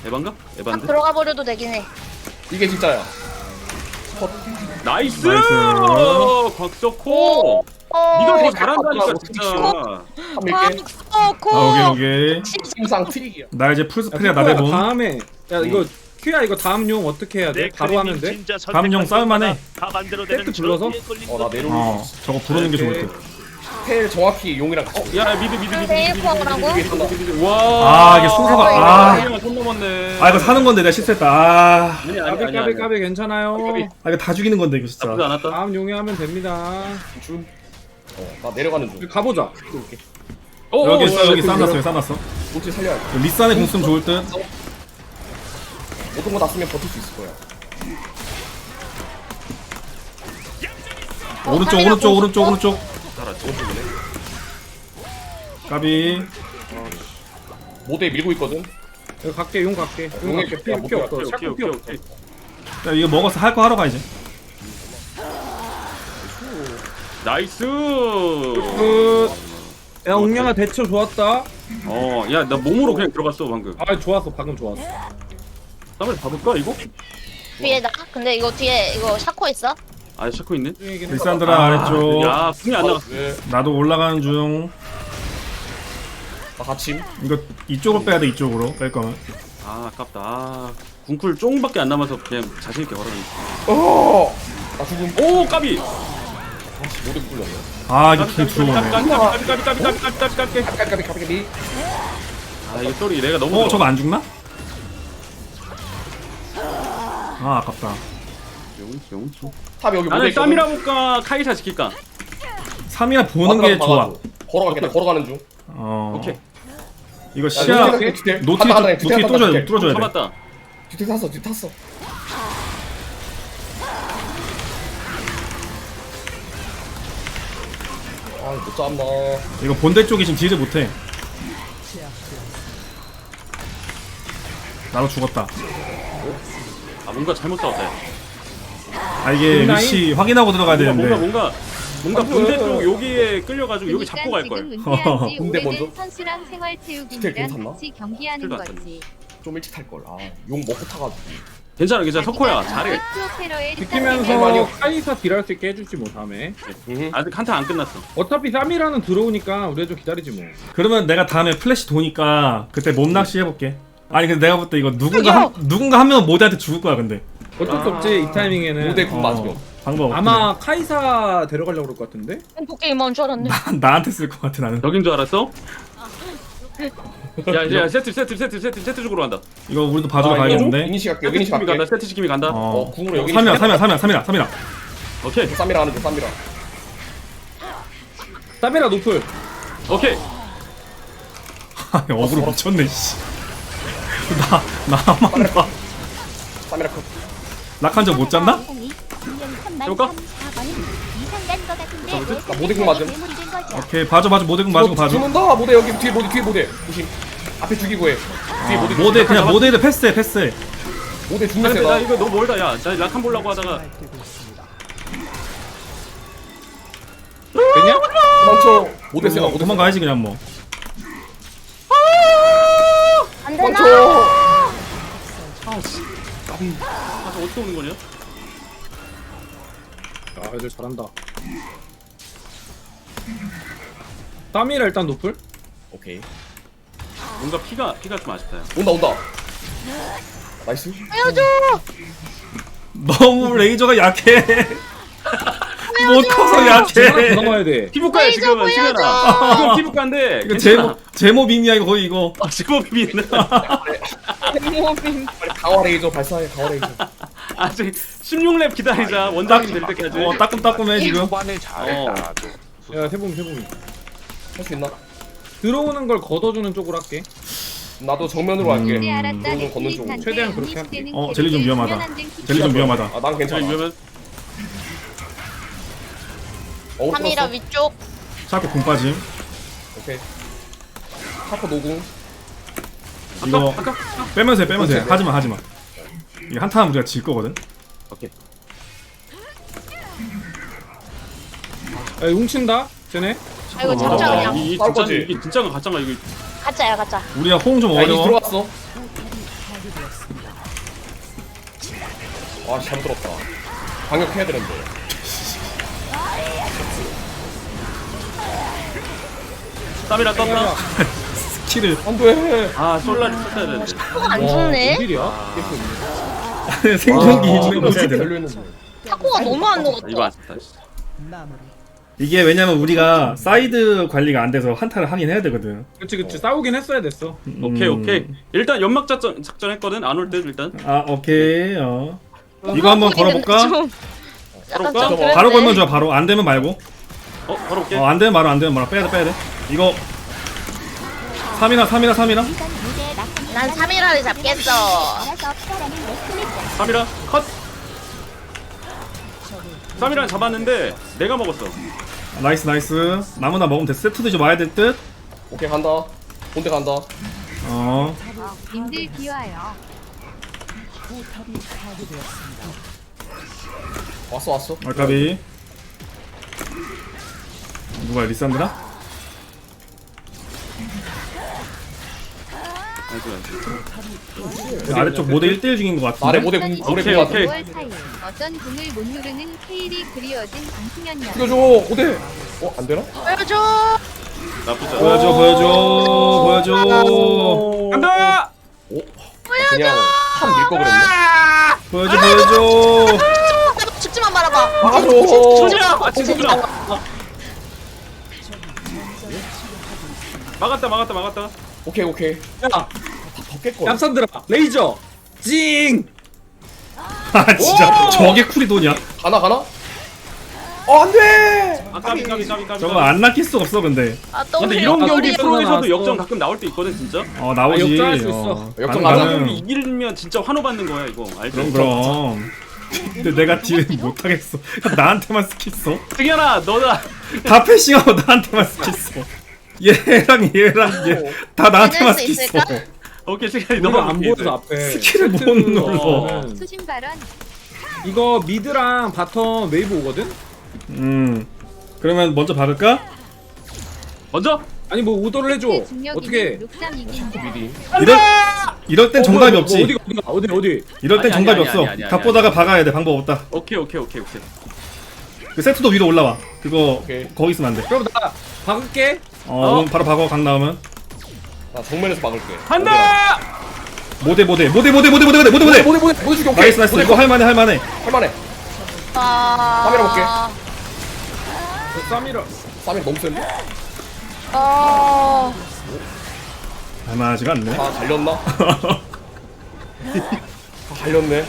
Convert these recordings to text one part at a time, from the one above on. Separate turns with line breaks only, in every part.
에반가?
딱
에반데?
들어가 버려도 되긴 해.
이게 진짜야.
나이스!
나이스.
곽석호! 니가 더
어.
잘한다니까
어.
진짜.
한 밀게.
고.
아, 오케이.
심상 트릭이야.
나 이제 풀스프레야
야,
나대본.
다음에 야 이거 큐야 이거 다음 용 어떻게 해야 돼? 바로 하면 돼?
다음 용 싸울만해.
세트 불러서?
나 내려오고.
어 저거 부르는 게 좋을 듯.
텔 정확히 용이랑 같이.
야 미드
데이프 하라고?
와.
아, 이게 순서가- 아.
손 넘었네.
아 이거 사는 건데 내가 실수했다. 아,
아니
까비
아니
까비 까비 괜찮아요.
아 이거 다 죽이는 건데 이거
나쁘지
진짜.
않았다.
다음 용에 하면 됩니다.
줌. 나 내려가는 중.
가보자.
여기 있어 여기 싸놨어 여기 싸놨어.
ulti 살려야 돼.
리산에 공 쓰면 좋을 듯.
모든 거 다 쓰면 버틸 수 있을 거야.
오른쪽 오른쪽 오른쪽 오른쪽.
오른쪽이네.
까비.
모대에 밀고 있거든.
여기 갈게 용 갈게. 용
용에
갈게. 피 없어.
오케이,
샤코
오케이,
피
오케이,
없어.
오케이.
야 이거 먹어서 할 거 하러 가 이제.
나이스.
야 옹량아 대처 좋았다.
야 나 몸으로 그냥 들어갔어 방금.
아 좋았어 방금 좋았어.
한번 봐볼까 이거?
뒤에 나. 근데 이거 뒤에 이거 샤코 있어?
아 샤코 있네.
리산드라 아래쪽.
야 분이 안 나갔어.
왜?
나도 올라가는 중.
나 같이.
이거 이쪽으로 빼야 돼 이쪽으로 뺄 거면.
아 아깝다. 아, 궁쿨 쫑밖에 안 남아서 그냥 자신 있게 걸어놨네.
나 죽음.
오 까비.
모대 굴렸네.
아 이거 길 들어오네.
까비.
까비까비.
아 이거 소리 내가 너무.
저거 안 죽나? 아 아깝다.
용용.
탑 여기 모대
나는
있거든.
쌈이라 볼까 카이사 지킬까?
3이라 보는 게 좋아.
걸어갈게. 나 걸어가는 중.
어.
오케이.
이거
야,
시야
뒤태.
노티
간다, 간다,
노티
뒤태 간다,
뚫어줘야 돼
뒤태.
뚫어줘야 돼.
잡았다.
뒤태 탔어. 뒤태 탔어. 아못 잡나.
이거 본대 쪽이 지금 딜을 못해. 나도 죽었다.
아 뭔가 잘못 싸웠다. 야.
아 이게 위치 확인하고 들어가야 되는데.
뭔가 본대 쪽 여기에 끌려가지고 여기 잡고 갈 걸.
지금 은퇴한 지
군대 먼저?
오래된 선수랑
스텝
생활체육인이랑
괜찮나?
같이 경기하는
스텝 안
거지.
좀 일찍 탈 걸. 용 먹고 타가지고.
괜찮아 석호야 잘해.
프로페러의
지키면서 카이사 딜할 수 있게 해주지 뭐 다음에.
아직 한타 안 끝났어.
어차피 3이라는 들어오니까 우리가 좀 기다리지 뭐.
그러면 내가 다음에 플래시 도니까 그때 몸 낚시 해볼게. 아니 근데 내가 볼 때 이거 누군가 한 명은 모대한테 죽을 거야 근데.
어쩔 수 없지 이 타이밍에는.
모대 군 맞으면.
방법 없네.
아마 카이사 데려가려고 그럴 것 같은데?
도깨비만 줄 알았네.
나한테 쓸 것 같아 나는.
여긴 줄 알았어? 야 세트 쪽으로 간다.
이거 우리도 봐주러 가야겠는데.
이니시 갈게.
세트
이니시
지킴이 간다.
갈게.
세트 지킴이 간다.
어.
궁으로 여기.
3이라.
오케이
쌈이라 하는 중. 쌈이라.
사베라 노플.
오케이.
어그로 미쳤네 씨. 나만 봐.
쌈이라 컷.
락한 적 못 잡나?
해볼까?
나 모대 궁 맞음.
오케이 봐줘 모대군 맞고 봐줘.
죽는다. 모대 여기 뒤에 모대. 조심. 앞에 죽이고 해. 뒤에 모대.
모대 그냥 모대를 패스해.
모대 죽는
근데 나
세다.
이거 너무 멀다. 야, 나 락한 보려고 하다가
되냐?
도망쳐. 모대 세다. 모대
도망가야지 그냥 뭐.
안 되나?
도망쳐.
가서 어떻게 오는 거냐?
아 애들 잘한다. 3이라 일단 노플.
오케이.
뭔가 피가 좀 아쉽다. 야.
온다. 나이스.
알려줘.
너무 레이저가 약해. 못 커서
하나
약해.
더 넘어야 돼.
피부과야
레이저
지금
보여줘.
시간아. 지금 피부과인데.
이거 제모 빔이야 이거 거의 이거.
제법이 있네.
모빙.
빨리 강화 레이저 발사해. 강화 레이저.
아직 16렙 기다리자. 원장님 될 때까지.
따끔따끔해 지금.
야 세봉이.
할 수 있나?
들어오는 걸 걷어주는 쪽으로 할게.
나도 정면으로 할게.
이제 알았다.
들어오는 걷는 쪽으로.
최대한 그렇게 할게.
젤리 좀 위험하다. 젤리 좀 위험하다.
아, 난 괜찮아.
이러면
3이라 위쪽.
자꾸 공 빠짐.
오케이. 샤코 노궁.
이거
아까
빼면서 해. 하지마. 이게 한타는 우리가 질 거거든.
오케이.
야 훔친다. 쟤네.
아 이거 잡자 그냥.
이
싸울
진짜
거지?
이게 진짜가 가짜가 이거.
가짜야 가짜.
우리가 호응 좀
야, 이니
어려워.
들어갔어. 아 잘못 들었다. 방역해야 되는데.
쌈이라 떴다.
스킬을
안돼.
아 솔라리 썼어야 되는데.
안 죽네.
일이야?
생존기
아,
있는 거지.
별로였는데.
타코가 너무 안
이거
녹았다.
안 썼다. 씨.
이게 왜냐면 우리가 사이드 관리가 안 돼서 한타를 하긴 해야 되거든.
그치 싸우긴 했어야 됐어.
오케이. 일단 연막 작전 했거든. 안 올 때 일단.
아 오케이. 이거 한번 걸어볼까?
약간
걸어볼까?
좀 그랬네.
바로 걸면 좋아. 바로 안 되면 말고.
바로 올게.
안 되면 말어. 안 되면 말어. 빼야 돼. 이거 3이라.
난 3일화를 잡겠어.
3이라 컷. 3이라 잡았는데 내가 먹었어.
나이스. 나무나 먹으면 돼. 세트도 이제 와야 될 듯.
오케이 간다. 본대 간다.
님들 비와요.
왔어.
알까비. 누가 리산드라? 아래쪽 모델 1대1 중인 것 같은데.
아래 모대 공 모래
오케이,
공
오케이.
5월 4일 어떤 궁을 못 누르는 케일이 그리워진 방승현이야.
죽여줘. 모대. 안 되나?
보여줘.
나쁘지 않아.
보여줘.
간다.
그냥 참 밀거 그랬네.
보여줘.
죽지만 말아봐.
막아줘.
조지야. 진짜. 막았다.
오케이.
야
다 벗겠거.
얌산들아 레이저 징.
아 진짜 저게 쿨이 도냐?
가나? 안돼.
까비.
저거 안 낚일 수 없어 근데.
아, 또
근데
그래.
이런 경기
우리
프로에서도
나왔어.
역전 가끔 나올 때 있거든 진짜.
나오지.
역전할 수 있어.
역전
이런
가능.
경기 이기면 진짜 환호 받는 거야 이거. 알지?
그럼. 근데 내가 딜 못하겠어. 나한테만 스킬 써.
승현아 너다.
다 패싱하고 나한테만 스킬 써. 얘랑 얘 다 나한테만
해낼 수
스킬 써.
있을까?
오케이 승현이
우리가
너가
안 보여서 앞에
스킬을 못
세트는
눌러.
거는
수신 발언.
이거 미드랑 바텀 웨이브 오거든?
그러면 먼저 박을까?
먼저.
아니 뭐 오더를 해줘. 어떻게?
룩삼 이긴다.
미리.
이럴 땐 정답이 없지.
어디?
이럴 땐
아니,
정답이
아니,
없어.
아니,
다 보다가 박아야 돼. 방법 없다.
오케이.
그 세트도 위로 올라와. 그거
오케이.
거기 있으면 안 돼.
그럼 나 박을게.
그럼 바로 박어 강 나오면.
나 정면에서 막을게.
간다.
모대.
모대 죽여. 오케이.
나이스. 이거 할만해.
할만해.
아.
카메라 볼게.
쌈이라.
쌈이 너무 센데?
할만하지가 않네.
다 갈렸나? 다 갈렸네.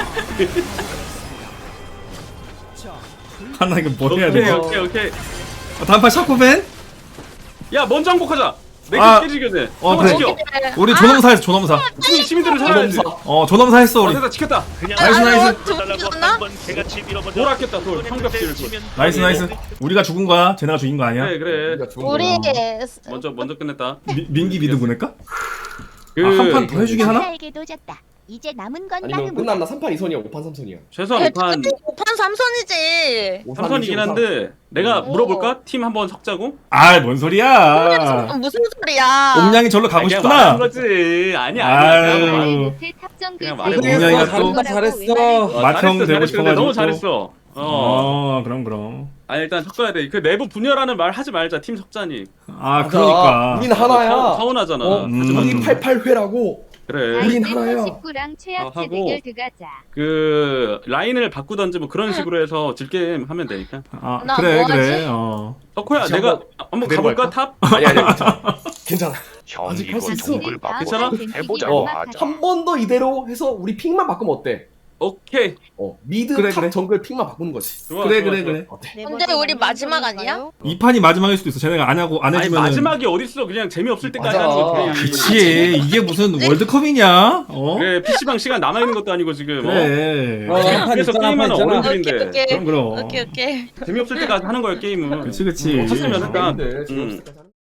하나 이거 뭐 해야 돼?
오케이.
단판 샤코벤?
야 먼저 항복하자.
아.
내가 깨지게 돼.
그래.
지켜.
우리 조nom사 했어. 조nom사.
시민들을 살아야지.
조nom사 했어 우리.
어디다 지켰다.
나이스.
죽었나?
돌 아꼈다 돌. 성벽지를 돌.
나이스. 우리가 죽은 거야. 쟤네가 죽인 거 아니야?
그래.
우리가 죽은
우리
거야.
먼저 끝냈다.
민기 미드 보낼까?
그
한 판 더 해주긴 하나?
에게도 졌다. 이제 남은 건
아니면 끝났나? 3판 2선이야 5판 3선이야.
최소한 5판
5판 3선이지.
3선이긴 한데 내가 물어볼까? 팀 한번 섞자고?
뭔 소리야?
무슨 소리야?
옴냥이 절로 가고
그냥
싶구나.
말하는 거지. 아니야.
아유.
못해 탑정
그냥
그
말해봐.
옴냥이가 또
잘했어.
맏형 되고
잘했어.
싶어가지고
너무
또.
잘했어.
그럼.
일단 섞어야 돼. 그 내부 분열하는 말 하지 말자. 팀 섞자니.
그러니까.
우린 하나야.
서운하잖아.
우리 88회라고.
그래.
우린 하나야.
19랑 최악체
하고.
대결 들어가자.
그 라인을 바꾸던지 뭐 그런 식으로 해서 질게임 하면 되니까.
나
그래.
뭐하지?
덕호야
같이
내가 한번
그대로
가볼까
할까?
탑?
아니 괜찮아.
형
아직
이거
할수 있어.
동굴 바꿔
괜찮아?
해보자.
한 번 더 이대로 해서 우리 픽만 바꾸면 어때?
오케이.
미드
그래,
탑
그래.
정글 픽만 바꾸는 거지.
좋아,
그래.
어때?
근데 우리 마지막 아니야?
이 판이 마지막일 수도 있어. 쟤네가 안
아니
해주면.
마지막이 어딨어? 그냥 재미없을 때까지
맞아.
하는 거.
그치. 이게 무슨 월드컵이냐?
그래 PC방 시간 남아 있는 것도 아니고 지금.
그래.
그래서 게임하는 어른들인데
오케이.
그럼.
오케이.
재미없을 때까지 하는 거야 게임은.
그치.
없었으면 일단
아닌데,
음.
재미없을 때까지 하는